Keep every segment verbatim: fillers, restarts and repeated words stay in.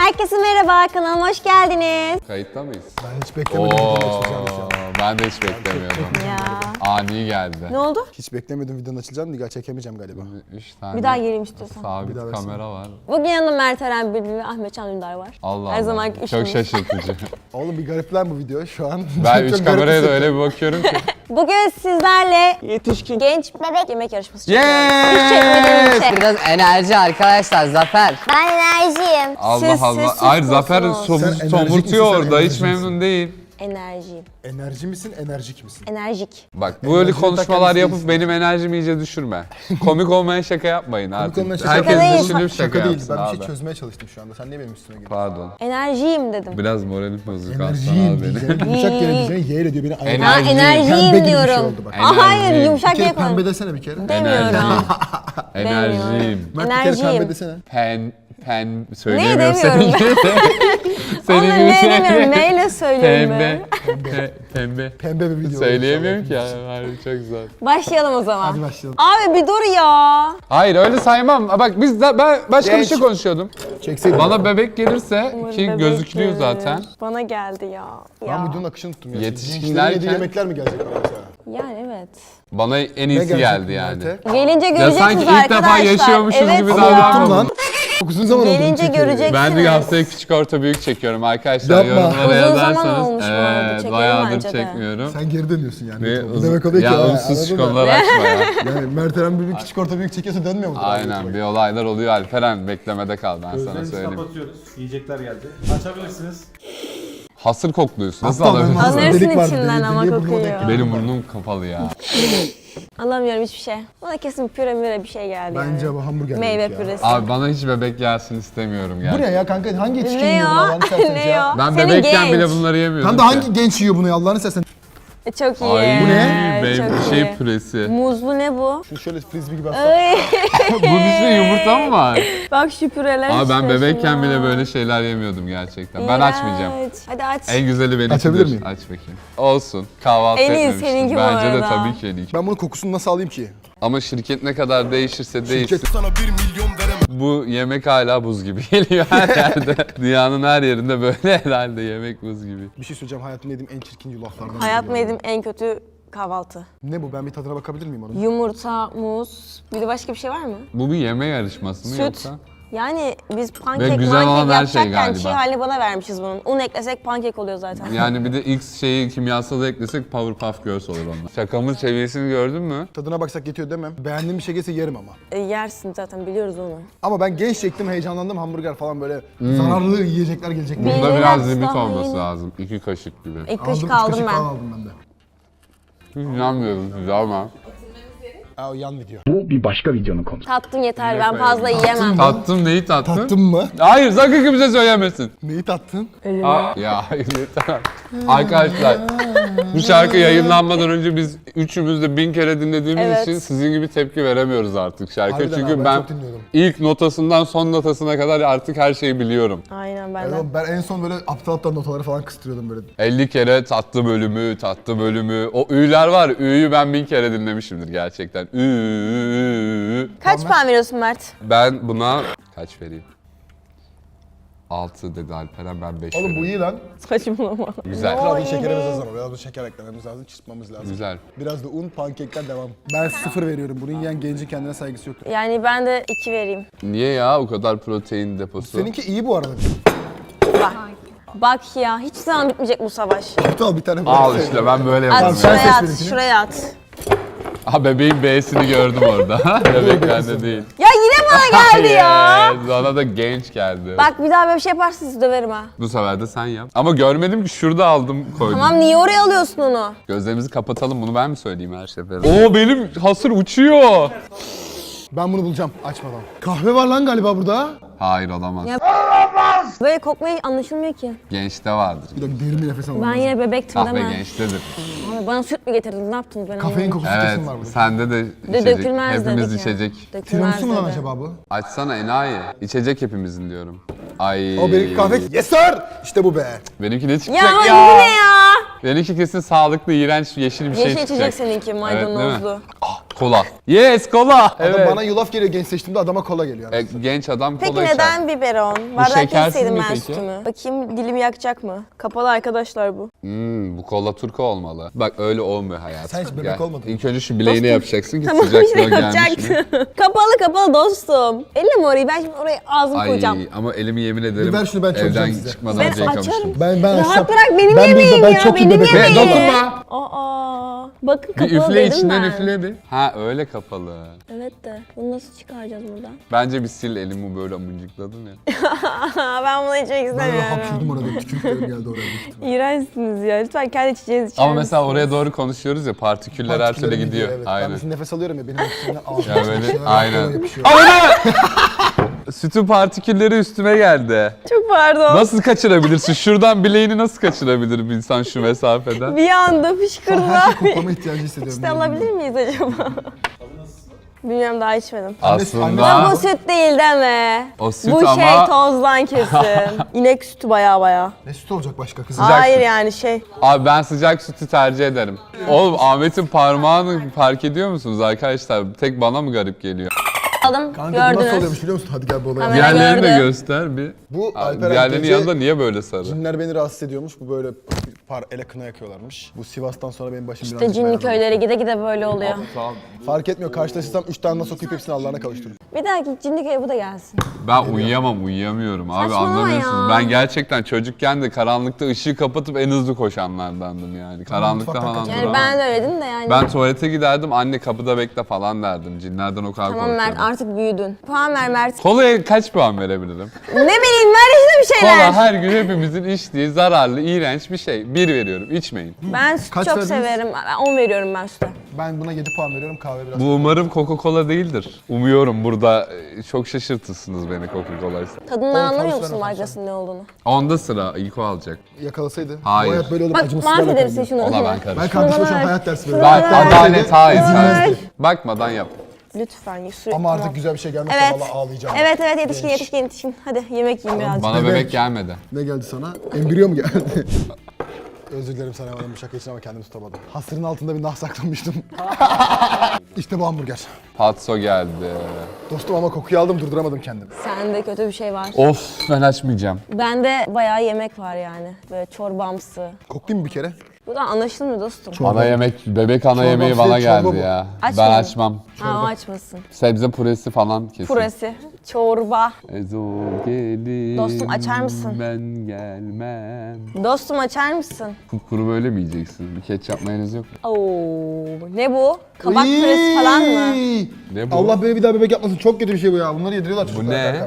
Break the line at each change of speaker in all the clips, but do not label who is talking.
Herkese merhaba, kanalıma hoş geldiniz.
Kayıtta mıyız?
Ben hiç beklemedim.
Oo,
videonun açılacağını şu an.
ben de hiç beklemiyordum.
Ya.
Ani geldi.
Ne oldu?
Hiç beklemedim videonun açılacağını. Diga çekemeyeceğim galiba.
Üç tane
Bir daha geleyim istiyorsan.
sabit
Bir daha versene.
kamera var.
Bugün yanımda Mert Eren Bülbül ve Ahmet Can Dündar var.
Allah
Her
Allah.
zamanki
Çok
üçümüz.
şaşırtıcı.
Oğlum bir garip lan bu video şu an.
Ben
Çok
üç
garip
kameraya da
hissettim.
öyle bir bakıyorum ki.
Bugün sizlerle yetişkin genç bebek yemek yarışması çekiyoruz. Hiç çekmediğim bir
Yes!
şey.
Biraz enerji arkadaşlar, Zafer.
Ben enerjiyim.
Allah
Siz-
Allah.
siz
Hayır Zafer
susmuyorsunuz.
somuz
Sen enerjik
somurtuyor
misin, sen
orada. Hiç
enerjik misin?
memnun değil.
Enerjiyim.
Enerji misin, enerjik misin?
Enerjik.
Bak böyle
Enerjini
konuşmalar
takan
yapıp
isteyiz.
benim enerjimi iyice düşürme. Komik olmayan şaka yapmayın artık.
olmayan şaka
Herkes
değil.
düşünüp şaka,
Şaka değil.
yapsın
Ben bir
abi.
şey çözmeye çalıştım şu anda. Sen niye benim üstüme geliyorsun?
Pardon.
Enerjiyim dedim.
Biraz moralim bozuk aslında
Enerjiyim
abi benim.
diyeceğim. Yumuşak yere diyeceğim. Y ile diyor beni.
Enerji.
Ha
Enerjiyim.
enerjiyim
Pembe gibi bir şey
diyorum.
oldu bak.
Aa, hayır
Enerjiyim.
Bir
yumuşak
kere
yapalım.
pembe desene bir kere.
Demiyorum.
Enerjiyim.
Mert bir kere
Enerjiyim.
pembe desene.
Pen, pen söyleyemiyorum
demiyorum
senin gibi.
Onu
Senin
ne
gibi
demiyorum, neyle söylüyorum
Pembe.
ben.
Pe- Pembe.
Pembe bir video.
Söyleyemiyorum ki
olmuş.
ya. Harbi çok zor.
Başlayalım o zaman.
Hadi başlayalım.
Abi bir dur ya.
Hayır öyle saymam. Bak biz de, ben başka bir
Genç.
şey konuşuyordum.
Çekseydin.
Bana bebek gelirse
Umarım
ki
bebek
gözüküyor
gelir.
zaten.
Bana geldi ya.
Ben
ya.
videonun akışını tuttum ya.
Yetişkinlerken-
Gençlerin yediği yemekler mi gelecek mesela?
Yani evet.
Bana en
Ne
iyisi
gelecek
geldi yani.
Mert'e?
Gelince
Ya
göreceksiniz
sanki ilk
arkadaşlar.
defa yaşıyormuşuz
evet
gibi
ya.
Ama
davranma.
unuttum lan. Çok uzun zaman oldu. bunu
Gelince
çekiyorum.
göreceksiniz.
Ben de haftaya küçük orta büyük çekiyorum arkadaşlar.
Yapma.
Yorumlara
Uzun zaman
yazarsanız.
olmuş bu arada,
Evet,
çekelim
bayağıdır
bence de.
çekmiyorum.
Sen geri dönüyorsun yani.
Ve
Bu
uzun-
demek oluyor ki.
ya
ha,
unsuz
anladın mı?
konular açma ya.
Yani Mert Eren bir küçük orta büyük çekiyorsa dönmüyor mu?
Aynen bir olaylar oluyor Alperen beklemede kal ben sana
Gözlerimizi
söyleyeyim.
kapatıyoruz. Yiyecekler geldi. Açabilirsiniz.
Hasır kokluyorsun. Nasıl
Hatta ben
alabilirsin?
ağzımda
Alırsın
delik vardı,
içinden
deliğe
ama
burnuma
kokuyor.
denk geldi.
Benim burnum kapalı ya.
Alamıyorum hiçbir şey. Bana kesin püre müre bir şey geldi
Bence
yani.
bu hamburger
Meyve
yedik ya.
püresi.
Abi bana hiç bebek gelsin istemiyorum
Bu
yani.
ne ya kanka? Hangi yetişkin
Ne
yiyor bunu
ya?
Allah'ını seversen
Ne
ya?
ya?
Ben
Senin
bebekken
genç.
bile bunları yemiyordum
Tam da
ki.
hangi genç yiyor bunu ya Allah'ını seversen?
E, Çok iyi.
Ay,
Bu ne?
Be-
Çok
şey
iyi.
püresi.
Muzlu ne bu?
Şu şöyle frisbee gibi aslında.
Ay,
Bunun içinde yumurta mı var?
bak şu püreler
Abi ben
işte
bebekken
şuna.
bile böyle şeyler yemiyordum gerçekten. Ben açmayacağım.
İğrenç. Hadi aç.
En güzeli benimkidir.
Açabilir miyim?
Aç bakayım. Olsun. Kahvaltı
En iyi
etmemiştim.
seninki bu
Bence de
arada.
tabii ki en iyi.
Ben bunun kokusunu nasıl alayım ki?
Ama şirket ne kadar değişirse değişsin.
Şirket sana bir milyon veremem.
Bu yemek hala buz gibi geliyor her yerde. Dünyanın her yerinde böyle herhalde yemek buz gibi.
Bir şey söyleyeceğim, hayatımda yediğim en çirkin yulaflardan.
Hayatımda
biri ya.
yediğim en kötü kahvaltı.
Ne bu? Ben bir tadına bakabilir miyim onun?
Yumurta, muz, bir de başka bir şey var mı?
Bu bir yeme yarışması mı
Süt.
yoksa?
Yani biz
Ve
pankek
güzel
mankek
olan her şey
yapacakken
galiba.
çiğ halini bana vermişiz bunun. Un eklesek pankek oluyor zaten.
Yani bir de X şeyi kimyasalı eklesek Powerpuff Girls olur onlar. Şakamın seviyesini gördün mü?
Tadına baksak yetiyor demem. Beğendiğim bir şey gelse yerim ama.
E, yersin zaten biliyoruz onu.
Ama ben genç çektim, heyecanlandım, hamburger falan böyle zararlı yiyecekler gelecek.
Bir-
diye.
Bunda
Biraz
biraz limit
daha
olması
yeni.
lazım. İki kaşık gibi.
İlk
Aldım,
kaşık
üç
aldım
kaşık
ben.
falan aldım ben de.
Hiç inanmıyorum size ama.
Aa, o yan video.
Bu bir başka videonun konusu.
Tattım yeter ben fazla yiyemem.
Tattım neyi tattın?
Tattın mı?
Hayır sakın kimse söylemesin.
Neyi tattın?
Aa, ya hayır yeter. Arkadaşlar bu şarkı yayınlanmadan önce biz üçümüz de bin kere dinlediğimiz
Evet.
için sizin gibi tepki veremiyoruz artık şarkıya.
Harbiden
Çünkü
abi, ben
ben
çok dinliyordum.
ilk notasından son notasına kadar artık her şeyi biliyorum.
Aynen ben
Evet,
de.
oğlum, ben en son böyle aptal aptal notaları falan kıstırıyordum böyle.
elli kere tatlı bölümü, tatlı bölümü. O ü'ler var. Ü'yü ben bin kere dinlemişimdir gerçekten. Ü, ü, ü.
Kaç puan veriyorsun Mert?
Ben buna kaç vereyim? altı dedi Alperen, ben beş
Oğlum bu iyi lan.
Saçmalama.
Güzel.
Biraz da
iyi
şekerimiz
değil.
az ama biraz da şeker eklememiz lazım, çırpmamız lazım.
Güzel.
Biraz da un, pankekler devam. Ben sıfır veriyorum. Bunu yiyen gencin kendine saygısı yoktur.
Yani ben de iki vereyim.
Niye ya o kadar protein deposu?
Seninki iyi bu arada.
Bak. Bak ya hiç zaman bitmeyecek bu savaş.
Aptal bir tane
Al
bırak.
işte ben böyle
At
yaparım.
sen
şuraya
seç
at,
benimkini.
şuraya at.
Ha bebeğin B'sini gördüm orada. Bebek bende değil.
Ya yine bana geldi ya.
Yes, bana da genç geldi.
Bak bir daha böyle bir şey yaparsanız döverim ha.
Bu sefer de sen yap. Ama görmedim ki şurada aldım koydum.
Tamam niye oraya alıyorsun onu?
Gözlerimizi kapatalım, bunu ben mi söyleyeyim her seferinde? Oo benim hasır uçuyor.
Ben bunu bulacağım açmadan. Kahve var lan galiba burada.
Hayır olamaz.
Ya- Böyle kokmayı anlaşılmıyor ki.
Gençte vardır.
Bir dakika derin bir nefes alalım.
Ben yine bebektim
Kahve
değil mi?
gençtedir.
Abi bana süt mü getirdin? Ne yaptınız ben
Kafein
anlamadım.
kokusu
Evet,
kesin var burada.
sende de
De
içecek.
dökülmez
Hepimiz
dedik ya.
içecek.
Dökülmez
Tiramisu mu lan
dedi.
acaba bu?
Açsana enayi. İçecek hepimizin diyorum. Ay.
O benimki kahve. Yes sir! İşte bu be.
Benimki ne
Ya
çıkacak
ama
ya?
bu ne ya?
Benimki kesin sağlıklı, iğrenç, yeşil bir şey
Yeşil
çıkacak.
içecek seninki
değil mi?
maydanozlu.
Ah, Kola. Yes kola.
Adam
Evet.
bana yulaf geliyor genç seçtiğimde adama kola geliyor.
E, genç adam
Peki
kola içer.
neden biberon? Bardak
şekersiz
içseydim
mi
ben
peki?
sütümü. Bakayım dilimi yakacak mı? Kapalı arkadaşlar bu.
Hmm, bu kola turka olmalı. Bak öyle olmuyor hayatım.
Sen hiç bebek
Gel.
olmadın mı?
İlk önce şu bileğini yapacaksın ki
Tamam
sıcaklığı
işte
gelmiş mi?
yapacaktım. kapalı kapalı dostum. Elle mi orayı? Ben şimdi oraya ağzımı
Ay
koyacağım.
ama elimi yemin ederim
Bir ver şunu, ben çözeceğim
evden
size.
çıkmadan
Ben
önce yıkamıştım.
açarım.
Ben ben
Rahat
açsam-
bırak benim
ben
yemeğim
ben
ya,
çok iyi
benim
bebek.
Ve
yemeğim.
dokunma.
Aa, bakın
Bir
kapalı
üfle
dedim
içinden
ben.
üfle bir. Ha öyle kapalı.
Evet de bunu nasıl çıkaracağız buradan?
Bence bir sil elimi böyle mıncıkladın ya.
ben bunu içmek
Ben öyle
istemiyorum.
hapşırdım orada. Tükürüklerim geldi oraya.
İğrençsiniz ya. Lütfen kendi içeceğiniz içer
Ama mesela
misiniz?
oraya doğru konuşuyoruz ya partiküller her türlü
Partiküllerim
gidiyor.
Evet. Ben
Aynen.
mesela nefes alıyorum ya benim oksijenim ağzıma
Ya böyle
yapışıyor,
aynen.
kola yapışıyor.
Sütün partikülleri üstüme geldi.
Çok pardon.
Nasıl kaçırabilirsin? Şuradan bileğini nasıl kaçırabilir bir insan şu mesafeden?
Bir anda fışkırdı
Her şey
abi.
koklama ihtiyacı hissediyorum.
İşte alabilir miyiz acaba? Bilmiyorum daha içmedim.
Aslında
Ama bu süt değil deme.
o süt
Bu
ama
şey tozdan kesin. İnek sütü baya baya.
Ne süt olacak başka kızım?
Hayır
süt.
yani şey.
abi ben sıcak sütü tercih ederim. Oğlum Ahmet'in parmağını fark ediyor musunuz arkadaşlar? Tek bana mı garip geliyor?
Aldım
Kanka bu nasıl
gördünüz.
oluyormuş biliyor musun? Hadi gel bu olaya.
Kamera-
Diğerlerini de
gördüm.
göster bir.
Bu
Abi,
Alperen
diğerlerinin
gece
yanında niye böyle sarı?
cinler beni rahatsız ediyormuş. Bu böyle par ele kına yakıyorlarmış. Bu Sivas'tan sonra benim başım
İşte
birazcık
cinli
belaya
köylere gide gide böyle oluyor.
aldı. Fark etmiyor. Karşılaşırsam üç tane nasıl okuyup hepsini Allah'ına kavuşturur.
Bir dahaki cinli köye bu da gelsin.
Ben uyuyamam, uyuyamıyorum abi
Saçmalama
anlamıyorsunuz.
ya.
Ben gerçekten çocukken de karanlıkta ışığı kapatıp en hızlı koşanlardandım yani. Karanlıkta
mutfaktan
falan
kaçar.
Yani
duramam.
ben de öyle de yani.
Ben tuvalete giderdim, anne kapıda bekle falan derdim. Cinlerden o kadar
Tamam Mert
korkuyorum.
artık büyüdün. Puan ver Mert.
Kolaya kaç puan verebilirim?
ne bileyim ver işte bir şeyler.
Kola her gün hepimizin içtiği zararlı, iğrenç bir şey. Bir veriyorum, içmeyin.
Ben süt
Kaç
çok
verdiniz?
severim. Ben on veriyorum ben süte.
Ben buna yedi puan veriyorum. Kahve biraz.
Bu umarım Coca-Cola değildir. Umuyorum burada e, çok şaşırtırsınız beni Coca-Cola'ysa.
Tadından
On
anlamıyor
tavsiye
musun
ver,
markasının ne olduğunu?
Onda sıra ilk o alacak.
Yakalasaydı.
Hayır.
Bu hayat böyle olup
Bak
acımasızlarla
mahvedersin
kalıyor.
şunu.
Ona ben
Ben
karışmam.
kardeşime şu an
ver.
hayat dersi
Şunu
veriyorum.
ver.
Adalet hayır.
Şunu ver.
Bakmadan yap.
Lütfen sürekli.
Ama artık
tamam.
güzel bir şey gelmezse
Evet.
valla ağlayacağım.
Evet evet yetişkin yetişkin yetişkin. Hadi yemek yiyin birazcık.
Bana
Bebek.
bebek gelmedi.
Ne geldi sana? Embriyo mu geldi? Özür dilerim sana bu şaka için ama kendimi tutamadım. Hasırın altında bir nah saklamıştım. İşte bu hamburger.
Patso geldi.
Dostum ama kokuyu aldım durduramadım kendimi.
Sende kötü bir şey var.
Of ben açmayacağım.
Bende bayağı yemek var yani. Böyle çorbamsı.
Koklayayım mı bir kere?
Bu da anlaşılmıyor dostum.
Ana yemek, bebek ana
Çorba,
yemeği
şey,
bana
çorba
geldi
bu.
ya.
Açmadın.
Ben açmam.
Ha o açmasın.
Sebze püresi falan kesin.
Puresi. Çorba.
Ezo gelin.
Dostum, açar mısın?
Ben gelmem.
Dostum açar mısın?
Kuru böyle mi yiyeceksin? Bir ketçap mayonez yok mu?
Oo, ne bu? Kabak püresi falan mı?
Iiii!
Ne bu?
Allah beni bir daha bebek yapmasın. Çok kötü bir şey bu ya. Bunları yediriyorlar
Bu
çocuklara.
ne?
Berkar.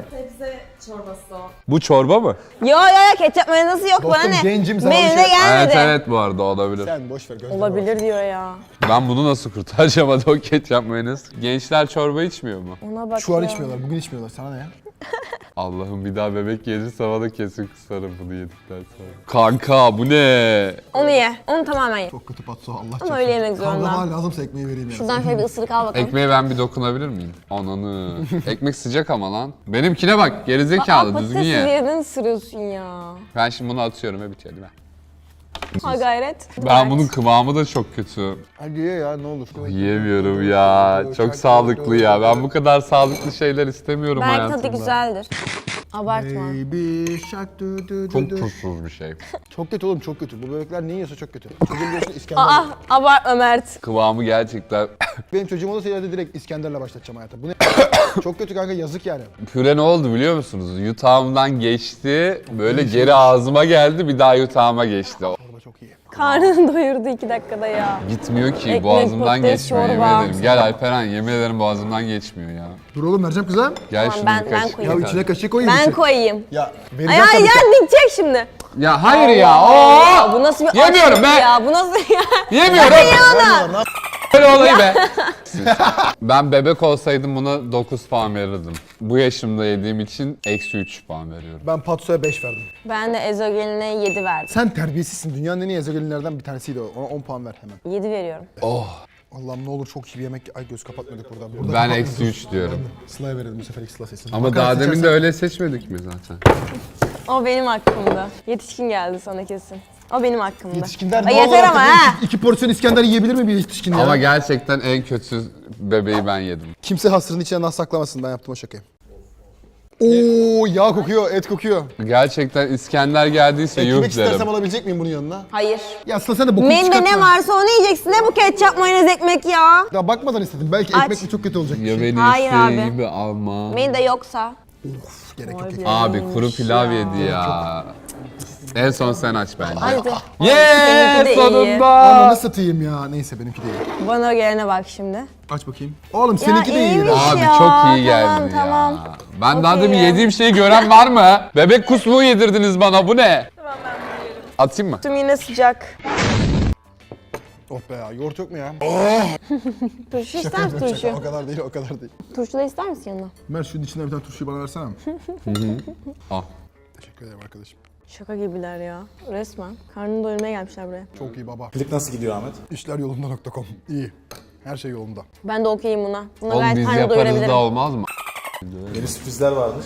Bu çorba mı?
Yo yo yo ketçap mayonezi yok
Dostum,
bana ne?
gencim, sana
Menüde
bir şey-
gelmedi.
Evet evet bu arada olabilir.
Sen boş ver. gözlerine bak.
Olabilir diyor ya.
Ben bunu nasıl kurtaracağım hadi o ketçap mayonez? Gençler çorba içmiyor mu?
Ona bak
Şu an
ya.
içmiyorlar. Bugün içmiyorlar. Sana ne ya?
Allah'ım bir daha bebek gelirse bana kesin kusarım bunu yedikten sonra. Kanka bu ne?
Onu ye. Onu tamamen ye.
Çok kötü patso. Allah
Ama
çarpsın.
öyle yemek zorunda.
Kavga var lazımsa ekmeği vereyim ya.
Şuradan şöyle bir ısırık al bakalım.
Ekmeğe ben bir dokunabilir miyim? Ananı. Ekmek sıcak ama lan. Benimkine bak gerizekalı
Aa,
düzgün
patatesi
ye.
yerden ısırıyorsun ya.
Ben şimdi bunu atıyorum ve bitiyor değil mi?
Ha gayret.
Ben
Evet.
bunun kıvamı da çok kötü.
Hadi ye ya ne olur.
Yiyemiyorum ya. Çok sağlıklı ya. Ben bu kadar sağlıklı şeyler istemiyorum
Belki
hayatımda.
tadı güzeldir. Abartma.
Baby shark du du
Çok
du du.
tuzsuz bir şey.
Çok kötü oğlum çok kötü. Bu bebekler ne yiyorsa çok kötü. Çocuğum diyorsun İskender.
Aa abartma Mert.
Kıvamı gerçekten...
Benim çocuğum olursa ileride direkt İskender'le başlatacağım hayata. Bu ne? Çok kötü kanka yazık yani.
Püre ne oldu biliyor musunuz? Yutağımdan geçti, böyle geri ağzıma geldi, bir daha yutağıma geçti. O-
Çorba çok iyi.
Karnını doyurdu iki dakikada ya.
Gitmiyor ki,
Ekmek,
boğazımdan
patates,
geçmiyor yemin
çorba.
ederim. Gel Alperen, yemin ederim boğazımdan geçmiyor ya.
Dur oğlum vereceğim kıza.
Gel
Tamam,
şunu
ben-
bir
ben
kaşık
koyayım.
Ya
ye
içine
kanka.
kaşık koyayım.
Ben
içine.
koyayım.
Ya
Ay
vereceğim
ay
tabii.
yer dikecek şimdi.
Ya hayır ya,
Aa,
oo!
bu nasıl bir
Yemiyorum
açlık
be!
ya? Bu nasıl ya?
Yemiyorum!
Vermiyorlar, ne yap-
Böyle olayı be! Ben bebek olsaydım buna dokuz puan verirdim. Bu yaşımda yediğim için eksi üç puan veriyorum.
Ben patsoya beş verdim.
Ben de ezogeline yedi verdim.
Sen terbiyesizsin. Dünyanın en iyi ezogelinlerden bir tanesiydi o. Ona on puan ver hemen.
yedi veriyorum.
Allah'ım ne olur çok iyi bir yemek. Ay göz kapatmadık burada. burada
Ben
kapatmadık.
eksi üç diyorum.
Sıla'ya verelim bu sefer ilk Sıla seçsin.
Ama
Bakalım
daha demin
seçersen-
de öyle seçmedik mi zaten?
O benim hakkımda. Yetişkin geldi sana kesin. O benim hakkımda.
Yetişkinler
Ay
doğal
yeter
olarak
ama
da
ha.
iki, iki porsiyon İskender yiyebilir mi bir yetişkin ya?
Ama gerçekten en kötü bebeği ben yedim.
Kimse hasırın içine nas saklamasın, ben yaptım o şakayı. Oo, yağ kokuyor, et kokuyor.
Gerçekten İskender geldiyse yuh
Ekmek istersem
derim.
alabilecek miyim bunun yanına?
Hayır.
Ya Sıla sen de bokunu
Menüde
çıkartma.
ne varsa onu yiyeceksin. Ne bu ketçap, mayonez, ekmek ya?
Ya bakmadan istedim. Belki
Aç.
ekmekle çok kötü olacak bir
Ya
şey.
beni
Hayır abi.
gibi ama.
Menüde yoksa.
Of, gerek yok.
Vay
ekmek.
be.
Abi kuru
Neymiş
pilav
ya.
yedi ya. En son sen aç bence.
Hadi.
Yeee
Benimki de iyi.
sonunda.
Ananı satayım ya. Neyse benimki değil.
Bana gelene bak şimdi.
Aç bakayım. Oğlum seninki de iyi.
iyiymiş.
lan.
Abi
ya,
çok iyi
tamam,
geldi
tamam.
ya. Ben daha
Okey
demin
ya.
yediğim şeyi gören var mı? Bebek kusmuğu yedirdiniz bana, bu ne? Tamam ben bunu yerim. Atayım mı?
Tüm yine sıcak.
Oh be ya, yoğurt yok mu ya?
Turşu ister misin turşu?
O kadar değil, o kadar değil.
Turşu da ister misin yanına?
Mer şunun içinden bir tane turşuyu bana versene.
Al.
Teşekkür ederim arkadaşım.
Şaka gibiler ya. Resmen. Karnını doyurmaya gelmişler buraya.
Çok iyi baba.
Klik nasıl gidiyor Ahmet?
İşler yolunda nokta com. İyi. Her şey yolunda.
Ben de okeyim buna. Buna
Oğlum
gayet
biz
karnını
yaparız
doyurabilirim.
da olmaz mı?
Yeni sürprizler varmış.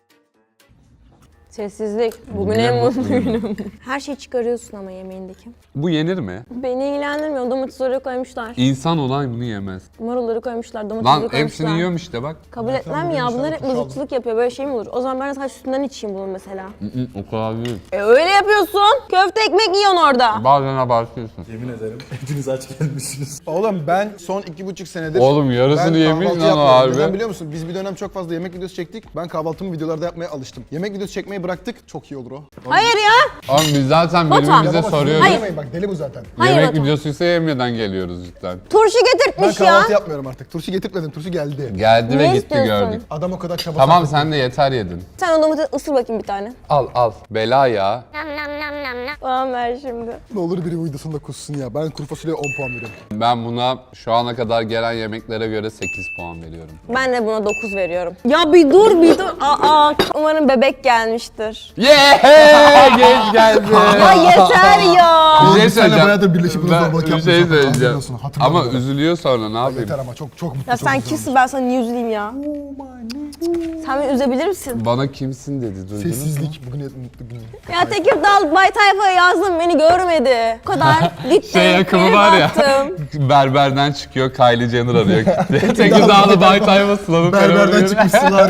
Sessizlik. Bugün
Ne
en
mutlu
mutlu günüm. Her şeyi çıkarıyorsun ama yemeğindeki.
Bu yenir mi?
Beni ilgilendirmiyor. Domates oraya koymuşlar.
İnsan olan bunu yemez.
Marulları koymuşlar, domatesleri
Lan
koymuşlar.
hepsini yiyorum işte bak.
Kabul etmem ya. Bunlar hep mızıkçılık yapıyor. Böyle şey mi olur? O zaman ben de sadece sütünden içeyim bunu mesela.
Hı hı, o kadar değil.
E öyle yapıyorsun. Köfte ekmek yiyorsun orada.
Bazen abartıyorsun.
Yemin ederim hepiniz aç gelmişsiniz.
Oğlum ben son iki buçuk senedir...
Oğlum yarısını
ben
yemiş
kahvaltı
lan
yapmıyorum.
harbi.
Neden biliyor musun? Biz bir dönem çok fazla yemek videosu çektik. Ben kahvaltımı videolarda yapmaya alıştım. Yemek videosu çekmeyi bıraktık. Çok iyi olur o.
Hayır ya.
Oğlum biz zaten
Batuhan.
birbirimize
Ya baba,
soruyoruz.
Hayır.
yemeyin bak, deli bu zaten.
Hayır
Yemek
Batuhan.
videosuysa yemeden geliyoruz cidden.
Turşu
Ben
getirtmiş ya.
kahvaltı yapmıyorum artık. Turşu getirtmedim, turşu geldi.
Geldi
Ne
ve gitti
istiyorsun?
gördük.
Adam o kadar çaba
Tamam
sarf etti.
sen de yeter yedin.
Sen o domatesi ısır bakayım bir tane.
Al al. Bela ya.
Tamam ver şimdi.
Ne olur biri videosunda kussun ya. Ben kuru fasulyeye on puan veriyorum.
Ben buna şu ana kadar gelen yemeklere göre sekiz puan veriyorum.
Ben de buna dokuz veriyorum. Ya bir dur bir dur. Aa, umarım bebek gelmiştir.
Yeah! Genç geldi.
Ya yeter ya.
Bir şey
Biz seninle
söyleyeceğim.
bayağıdır birleşip bunu
Ben
zorbalık
bir
yapmıyoruz.
şey söyleyeceğim.
Hatırlıyorsun, hatırladım
Ama
ben.
üzülüyor sonra ne yapayım?
Yeter ama çok çok mutlu.
Ya
çok
sen
güzel
kimsin, ben sana niye üzüleyim ya? Sen beni üzebilir misin?
Bana kimsin dedi duydunuz mu?
Sessizlik. Bugün mutlu günüm.
Ya Tekirdağ Bay Tayfa'ya yazdım, beni görmedi. O kadar gitti.
Şey yakımı
bir
var ya.
baktım.
Berberden çıkıyor Kylie Jenner arıyor. Tekirdağlı Bay Tayfa Sıla'nın
Berberden çıkmışsınlar.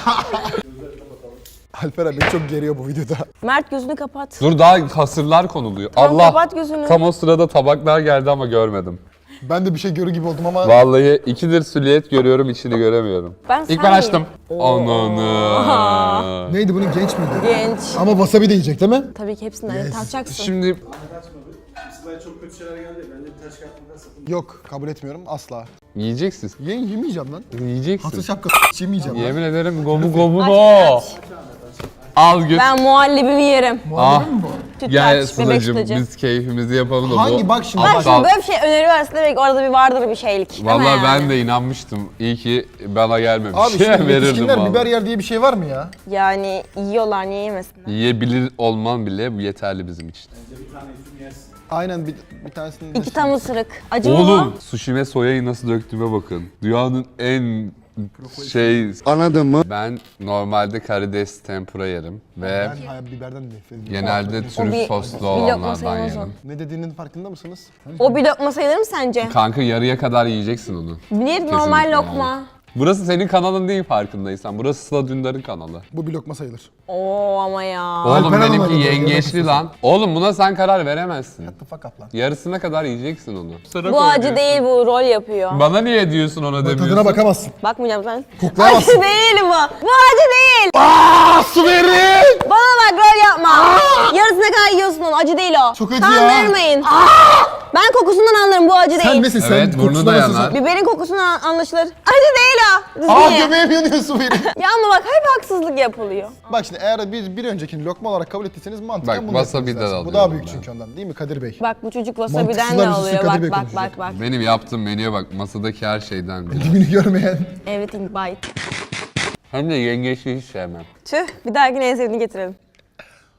Alper abi beni çok geriyor bu videoda.
Mert gözünü kapat.
Dur daha hasırlar konuluyor.
Tamam,
Allah.
kapat gözünü.
Tam o sırada tabaklar geldi ama görmedim.
Ben de bir şey görür gibi oldum ama
Vallahi ikidir süliyet görüyorum, içini göremiyorum.
Ben
İlk
sen
ben açtım.
miyim?
Ananı.
neydi bunun, genç miydi?
Genç.
Ama wasabi de yiyecek değil mi?
Tabii ki hepsinden
Yes.
tatacaksın.
Şimdi
Sıla'ya çok kötü şeyler geldi. Bence bir taş kağıtından satın.
Yok, kabul etmiyorum asla.
yiyeceksin.
Ye yemeyeceğim lan.
Yiyeceksin.
Hatır şapka yemeyeceğim lan.
Yemin ederim gomu gomu
Aç,
no.
aç.
Al göt.
Ben muhallebimi yerim.
Ah.
Muhabbet mi bu?
Sütlaç,
Gel
bebek
Sıla'cığım
sütlacı.
biz keyfimizi yapalım da bu.
Hangi bak şimdi,
Bak
bak.
şimdi böyle bir şey öneriyorsa demek orada bir vardır bir şeylik. değil mi
Vallahi
yani?
ben de inanmıştım. İyi ki bana gelmemiş.
Abi şimdi
Verirdim
yetişkinler
vallahi.
biber yer diye bir şey var mı ya?
Yani yiyorlar, niye yemesinler?
Yiyebilir olman bile bu yeterli bizim için.
Bir tane üzüm yersin.
Aynen bir, bir tanesini...
İki tam ısırık. Acı mı
Oğlum sushime soyayı nasıl döktüğüme bakın. Dünyanın en şey...
Anladın mı?
Ben normalde karides tempura yerim ve
Ben hayat biberden nefret ediyorum.
genelde
O bir-
trüf soslu
bir lokma
olanlardan
sayılmaz o.
yerim.
Ne dediğinin farkında mısınız?
o? O bir lokma sayılır mı sence?
Kanka yarıya kadar yiyeceksin onu.
Bir normal
Kesinlikle
lokma.
yani. Burası senin kanalın değil farkındaysan. Burası Sıla Dündar'ın kanalı.
Bu bir lokma sayılır.
Oo ama ya.
Oğlum
Alper
benimki
Hanım aradı,
yengeçli
yemek
lan. Oğlum buna sen karar veremezsin.
The fuck up lan.
Yarısına kadar yiyeceksin onu.
Bu acı değil, bu rol yapıyor.
Bana niye diyorsun ona demiyorsun?
Tadına bakamazsın.
Bakmayacağım sen.
Koklayamazsın.
Acı değil bu. Bu acı değil.
Aaa su verin!
Bana bak rol yapma. Yarısına kadar yiyorsun onu. Acı değil o.
Çok acı ya.
Kandırmayın. Ben kokusundan anlarım, bu acı
Sen
değil.
nesin sen?
Evet, burnu
Kokusuna
da
nasılsın?
yanar.
Biberin kokusundan anlaşılır. Acı değil o. Düzgün
Aa
ye.
göbeğim yanıyor su verin.
Ya ama bak hep haksızlık yapılıyor.
Bak şimdi eğer bir, bir öncekini lokma olarak kabul ettiyseniz mantıken
Bak,
bunu
wasabi'den
yapmanız lazım. Bu
alıyorum
daha büyük
ben.
çünkü ondan değil mi Kadir Bey?
Bak bu çocuk wasabi'den
Mantıksızlar
de
listesi
alıyor.
Kadir
Bak
Bey
bak
konuşacak.
bak bak.
Benim yaptığım menüye bak, masadaki her şeyden biri.
Dibini görmeyen.
Everything bite.
Hem de yengeçli hiç sevmem.
Tüh, bir dahakine en sevdiğini getirelim.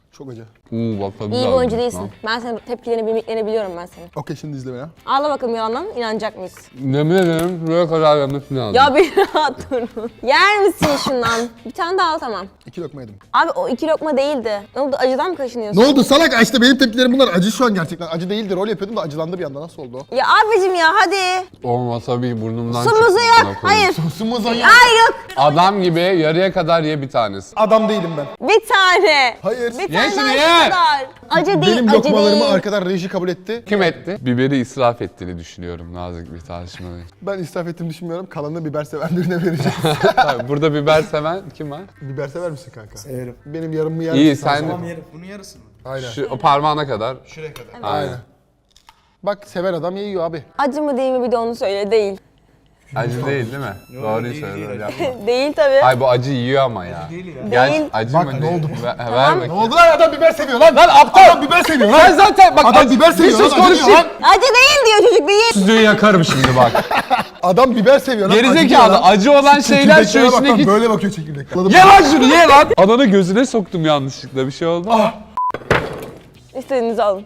Çok acı.
Uuu bak tadı
İyi bir
lazım.
oyuncu değilsin.
Tamam.
Ben senin tepkilerini, mimiklerini biliyorum ben senin.
Okey şimdi izle beni.
Ağla bakalım yalandan, inanacak mıyız?
Yemin ederim buraya kadar gelmesi lazım.
Ya bir rahat durun. Yer misin şundan? Bir tane daha al tamam.
İki lokma yedim.
Abi o iki lokma değildi. Ne oldu acıdan mı kaşınıyorsun?
Ne oldu salak? Ay İşte benim tepkilerim bunlar. Acı şu an gerçekten. Acı değildi. Rol yapıyordum da acılandı bir anda. Nasıl oldu o?
Ya abicim ya hadi.
O wasabi burnumdan
Sumuzu
çıktı,
yak.
amına koyayım.
Hayır.
Sosumuz ayı.
Hayır yok.
Adam gibi yarıya kadar ye bir tanesi.
Adam değilim ben.
Bir tane.
Hayır.
Bir
Ye
tane
şunu
daha
ye.
şu kadar. Acı değil,
Benim
acı
lokmalarımı
değil.
arkadan reji kabul etti.
Kim etti? Biberi israf ettiğini düşünüyorum nazik bir tartışmada.
Ben israf ettiğimi düşünmüyorum. Kalanını biber seven birine vereceğim.
Tabii, burada biber seven kim var?
Biber sever misin kanka?
Severim.
Benim yarımı yer
İyi
misin
sen
Tamam yerim. Bunun yarısı mı?
Aynen.
şu, o parmağına kadar.
Şuraya kadar.
Aynen.
Bak seven adam yiyor abi.
Acı mı değil mi bir de onu söyle. Değil.
Acı değil değil mi? Doğruyu
değil,
söyle
değil,
böyle
acı
yapma.
Değil tabii.
Ay bu acı yiyor ama ya.
Değil ya.
Gel
Değil.
acı
Bak,
mı
ne
değil?
oldu?
Ver, ver
Ne
bakayım.
oldu lan adam biber seviyor lan.
Lan aptal!
Adam biber seviyor lan.
Sen zaten bak
Adam
acı-
biber seviyor
bir sus
lan, acı
konuşayım.
diyor lan.
Acı değil diyor çocuk değil.
Süzüğü yakarım şimdi bak.
Adam biber seviyor lan. acı diyor
Gerizekalı
lan.
acı olan şeyler şu
Çekirdeklere bak lan,
içindeki...
böyle bakıyor çekirdekler.
Ye lan şunu ye lan! Ananı gözüne soktum yanlışlıkla bir şey oldu mu?
İstediğinizi alın.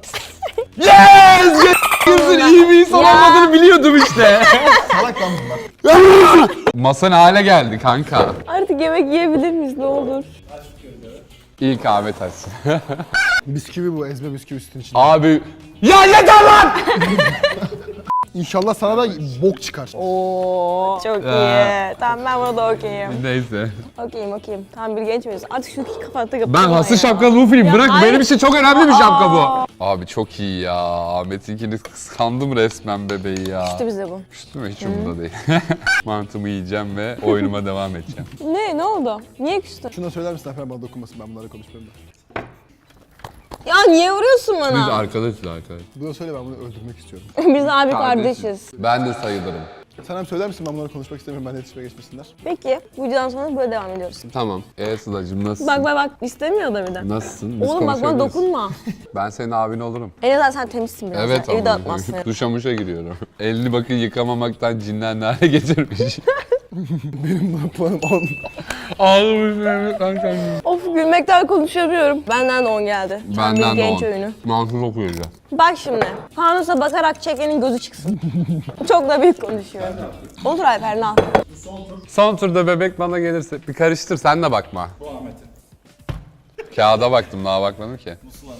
Yes! Gözün iyi bir insan
Ya.
olmadığını biliyordum işte.
Salak lan bunlar.
Masa ne hale geldi kanka?
Artık yemek yiyebilir miyiz ne olur?
İlk Ahmet açsın.
Bisküvi bu, ezme bisküvi sütün içinde.
Abi... Ya yeter lan!
İnşallah sana da bok çıkar.
Oo çok
Ee.
iyi. Tamam ben buna da okeyim.
Neyse.
Okeyim okeyim. Tam bir genç miyiz? Artık şu kapattı kapattı.
Ben hası şapkalı bu film.
Ya
Bırak
hayır.
benim için çok önemli bir şapka
Aa.
bu. Abi çok iyi ya. Ahmet'inkini kıskandım resmen bebeği ya.
İşte bize bu.
Küstü mü? Hiç umurumda değil. Mantımı yiyeceğim ve oyunuma devam edeceğim.
Ne? Ne oldu? Niye küstün?
Şuna söyler misin efendim bana dokunmasın, ben bunlarla konuşmuyorum da.
Ya niye vuruyorsun
Biz
bana?
arkadaşız arkadaş.
Buna söyle, ben bunu öldürmek istiyorum.
Biz abi kardeşiz.
Ben de sayılırım.
Sen hem söyler misin ben bunlarla konuşmak istemiyorum, ben de iletişime geçmesinler.
Peki bu videodan sonra böyle devam ediyoruz.
Tamam. Ee Sıla'cığım nasılsın?
Bak bak bak istemiyor da bir de.
Nasılsın? Biz
Oğlum bak bana
konuşabiliriz.
dokunma.
Ben senin abin olurum.
En azından sen temizsin biraz.
Evet
Evi
ama.
dağıtmazsın.
Duşa muşa giriyorum. Elini bakın yıkamamaktan cinlenli hale getirmiş.
Benim bu puanım on.
Ağlamış Mehmet kankam.
Of gülmekten konuşamıyorum. Benden de on geldi. Tam
Benden
bir
de
genç
on.
oyunu.
Mantık okuyacağım.
Bak şimdi. Fanusa bakarak çekenin gözü çıksın. Çok da büyük konuşuyorum. Otur Alper al.
Son turda bebek bana gelirse bir karıştır sen de bakma.
Bu Ahmet'in.
Kağıda baktım daha bakmadım ki.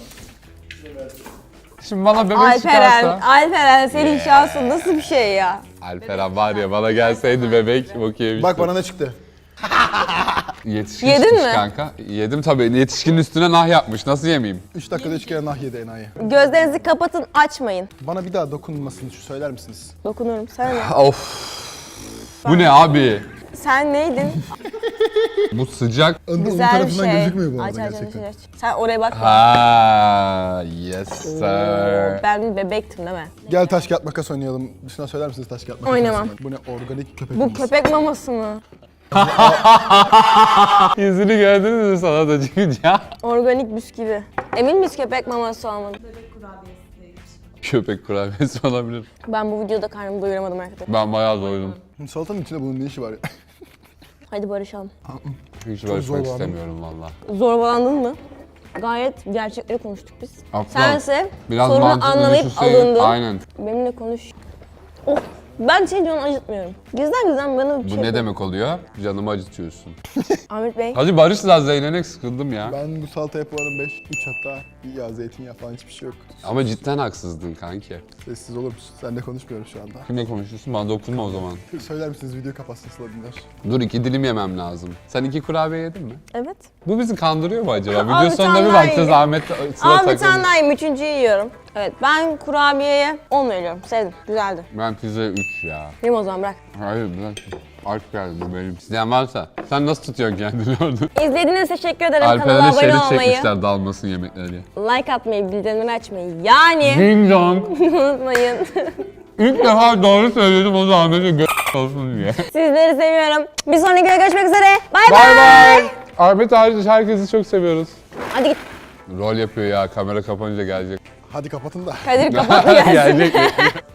Şimdi bana bebek
Alperen,
çıkarsa...
Alperen senin şansın nasıl bir şey ya?
Alperen var ya bana gelseydi bebek bok yemiştim.
Bak bana ne çıktı?
Yetişkin
Yedin
çıkmış
mi?
kanka. Yedim tabii. Yetişkinin üstüne nah yapmış. Nasıl yemeyeyim?
üç dakikada üç kere nah yedi enayi.
Gözlerinizi kapatın açmayın.
Bana bir daha dokunmasını şu söyler misiniz?
Dokunurum. Sen ne?
Of. Bu ne abi?
Sen neydin?
Bu sıcak.
Onun
Güzel bir
tarafından
şey.
gözükmüyor bu
aç,
arada
aç,
gerçekten.
Aç, aç, aç. Sen oraya bakma.
Ha, yes
Oo,
sir.
ben bir bebektim değil mi?
Gel taş kağıt makas oynayalım. Dışına söyler misiniz taş kağıt makas?
Oynamam.
oynasınlar? Bu ne organik köpek
Bu
maması.
köpek maması mı?
Yüzünü gördünüz mü sana da çıkınca?
Organik bisküvi. Emin miyiz köpek maması olmadı?
Köpek kurabiyesi olabilir.
Ben bu videoda karnımı doyuramadım arkadaşlar.
Ben bayağı doydum.
Salatanın içinde bunun ne işi var ya?
Hadi barışalım.
Hiç
zorlandım.
barışmak istemiyorum valla.
Zorbalandın mı? Gayet gerçekleri konuştuk biz.
Aptal.
Sense
Biraz
sorunu
mantıklı
anlayıp
düşünseydin.
alındın.
Aynen.
Benimle konuş. Oh, ben senin canını acıtmıyorum. Gizden gizden bana bir
Bu
şey...
ne demek oluyor? Canımı acıtıyorsun.
Ahmet Bey.
Hadi barış lan Zeynenek sıkıldım ya.
Ben bu salataya puanım beş, üç hatta. Ya zeytinyağı falan hiçbir şey yok.
Ama cidden haksızdın kanki.
Sessiz olur musun? Seninle konuşmuyorum şu anda.
Kimle konuşuyorsun? Bana dokunma o zaman.
Söyler misiniz video kapatsın Sıla dinler.
Dur iki dilim yemem lazım. Sen iki kurabiye yedin mi?
Evet.
Bu bizi kandırıyor mu acaba?
Al
Video
bir
sonunda
tane
bir
daha
bakacağız
ye.
Ahmet Sıla
Al bir tane
takılmış.
daha yiyeyim, üçüncüyü yiyorum. Evet, ben kurabiyeye on veriyorum. Sevdim, güzeldi.
Ben pizzaya üç ya.
Yiyeyim o zaman bırak.
Hayır bırak. Aç geldi bu benim. İsteyen varsa. Sen nasıl tutuyorsun kendini orada?
İzlediğiniz için teşekkür ederim. Kanala
Alperen'e
abone
şerit
olmayı,
çekmişler dalmasın yemekleri.
like atmayı, bildirimleri açmayı yani
Ding dong.
unutmayın.
İlk defa doğru söyledim o da Ahmet'e gö- olsun diye.
Sizleri seviyorum. Bir sonraki videoda görüşmek üzere. Bay
Bay
bay.
bay. Ahmet hariç herkesi çok seviyoruz.
Hadi git.
Rol yapıyor ya kamera kapanınca gelecek.
Hadi kapatın da.
Kadir kapat gelsin.
gelecek.